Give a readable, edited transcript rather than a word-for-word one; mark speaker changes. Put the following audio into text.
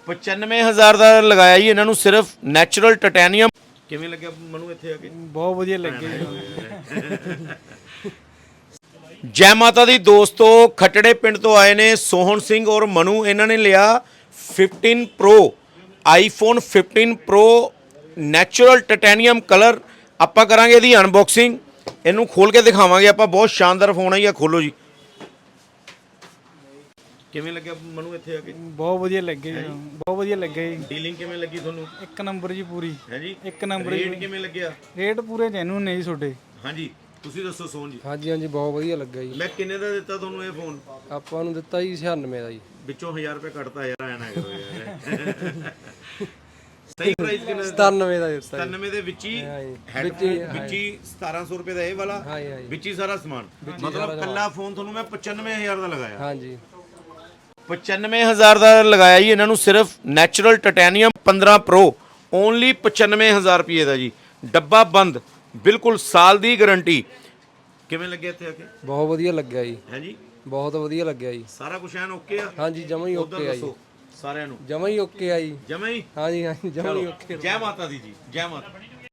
Speaker 1: 95000 ਦਾ ਲਗਾਇਆ ਜੀ ਇਹਨਾਂ ਨੂੰ ਸਿਰਫ ਨੈਚੁਰਲ ਟਾਈਟੈਨੀਅਮ। ਕਿਵੇਂ ਲੱਗਿਆ ਮਨੂੰ ਇੱਥੇ ਆ ਕੇ?
Speaker 2: ਬਹੁਤ ਵਧੀਆ ਲੱਗੇ।
Speaker 1: ਜੈ ਮਾਤਾ ਦੀ ਦੋਸਤੋ, ਖਟੜੇ ਪਿੰਡ ਤੋਂ ਆਏ ਨੇ ਸੋਹਣ ਸਿੰਘ ਔਰ ਮਨੂ। ਇਹਨਾਂ ਨੇ ਲਿਆ 15 pro iPhone 15 pro natural titanium colour. ਆਪਾਂ ਕਰਾਂਗੇ ਇਹਦੀ ਅਨਬਾਕਸਿੰਗ, ਇਹਨੂੰ ਖੋਲ ਕੇ ਦਿਖਾਵਾਂਗੇ ਆਪਾਂ। ਬਹੁਤ ਸ਼ਾਨਦਾਰ ਫੋਨ ਹੈ ਜੀ, ਖੋਲੋ ਜੀ। ਕਿਵੇਂ ਲੱਗਿਆ ਮਨੂ ਇੱਥੇ ਆ ਕੇ?
Speaker 2: ਬਹੁਤ ਵਧੀਆ ਲੱਗੇ ਜੀ, ਬਹੁਤ ਵਧੀਆ ਲੱਗੇ ਜੀ।
Speaker 1: ਡੀਲਿੰਗ ਕਿਵੇਂ ਲੱਗੀ ਤੁਹਾਨੂੰ?
Speaker 2: ਇੱਕ ਨੰਬਰ ਜੀ ਪੂਰੀ
Speaker 1: ਹੈ ਜੀ।
Speaker 2: ਇੱਕ ਨੰਬਰ ਜੀ।
Speaker 1: ਰੇਟ ਕਿਵੇਂ ਲੱਗਿਆ?
Speaker 2: ਰੇਟ ਪੂਰੇ ਜੈਨੂਨ ਨੇ ਜੀ ਤੁਹਾਡੇ।
Speaker 1: ਹਾਂਜੀ ਤੁਸੀਂ ਦੱਸੋ ਸੋਹਣ ਜੀ।
Speaker 3: ਹਾਂਜੀ ਹਾਂਜੀ ਬਹੁਤ ਵਧੀਆ ਲੱਗਾ ਜੀ।
Speaker 1: ਮੈਂ ਕਿੰਨੇ ਦਾ ਦਿੱਤਾ ਤੁਹਾਨੂੰ ਇਹ ਫੋਨ?
Speaker 3: ਆਪਾਂ ਨੂੰ ਦਿੱਤਾ ਜੀ 96 ਦਾ ਜੀ।
Speaker 1: ਵਿੱਚੋਂ 1000 ਰੁਪਏ ਕੱਟਤਾ ਯਾਰ, ਐ ਨਾ ਕਰੋ ਯਾਰ। ਸਹੀ ਪ੍ਰਾਈਸ ਕਿੰਨਾ?
Speaker 3: 97 ਦਾ ਦਿੱਤਾ
Speaker 1: 97 ਦੇ ਵਿੱਚ ਹੀ
Speaker 3: ਵਿੱਚ ਹੀ,
Speaker 1: ਵਿੱਚ ਹੀ 1700 ਰੁਪਏ ਦਾ ਇਹ ਵਾਲਾ,
Speaker 3: ਹਾਂਜੀ ਹਾਂਜੀ
Speaker 1: ਵਿੱਚ ਹੀ ਸਾਰਾ ਸਮਾਨ। ਮਤਲਬ ਕੱਲਾ ਫੋਨ ਤੁਹਾਨੂੰ ਮੈਂ 95000 ਦਾ ਲਗਾਇਆ।
Speaker 3: ਹਾਂਜੀ
Speaker 1: 95000 ਦਾ ਲਗਾਇਆ ਜੀ ਇਹਨਾਂ ਨੂੰ ਸਿਰਫ ਨੈਚੁਰਲ ਟਾਈਟੈਨੀਅਮ 15 ਪ੍ਰੋ ਓਨਲੀ 95000 ਰੁਪਏ ਦਾ ਜੀ। ਡੱਬਾ ਬੰਦ, ਬਿਲਕੁਲ ਸਾਲ ਦੀ ਗਾਰੰਟੀ। ਕਿਵੇਂ ਲੱਗਿਆ ਇੱਥੇ ਆ ਕੇ?
Speaker 3: ਬਹੁਤ ਵਧੀਆ ਲੱਗਿਆ ਜੀ।
Speaker 1: ਹੈ ਜੀ,
Speaker 3: ਬਹੁਤ ਵਧੀਆ ਲੱਗਿਆ ਜੀ।
Speaker 1: ਸਾਰਾ ਕੁਝ ਐਨ ਓਕੇ ਆ?
Speaker 3: ਹਾਂਜੀ ਜਮਾਂ ਹੀ
Speaker 1: ਉਧਰ
Speaker 3: ਓਕੇ ਆ ਜੀ।
Speaker 1: ਦੱਸੋ ਸਾਰਿਆਂ ਨੂੰ।
Speaker 3: ਜਮਾਂ ਹੀ ਓਕੇ ਆ ਜੀ।
Speaker 1: ਜਮਾਂ ਹੀ।
Speaker 3: ਹਾਂਜੀ ਹਾਂਜੀ ਜਮਾਂ ਹੀ ਓਕੇ।
Speaker 1: ਜੈ ਮਾਤਾ ਦੀ ਜੀ, ਜੈ ਮਾਤਾ।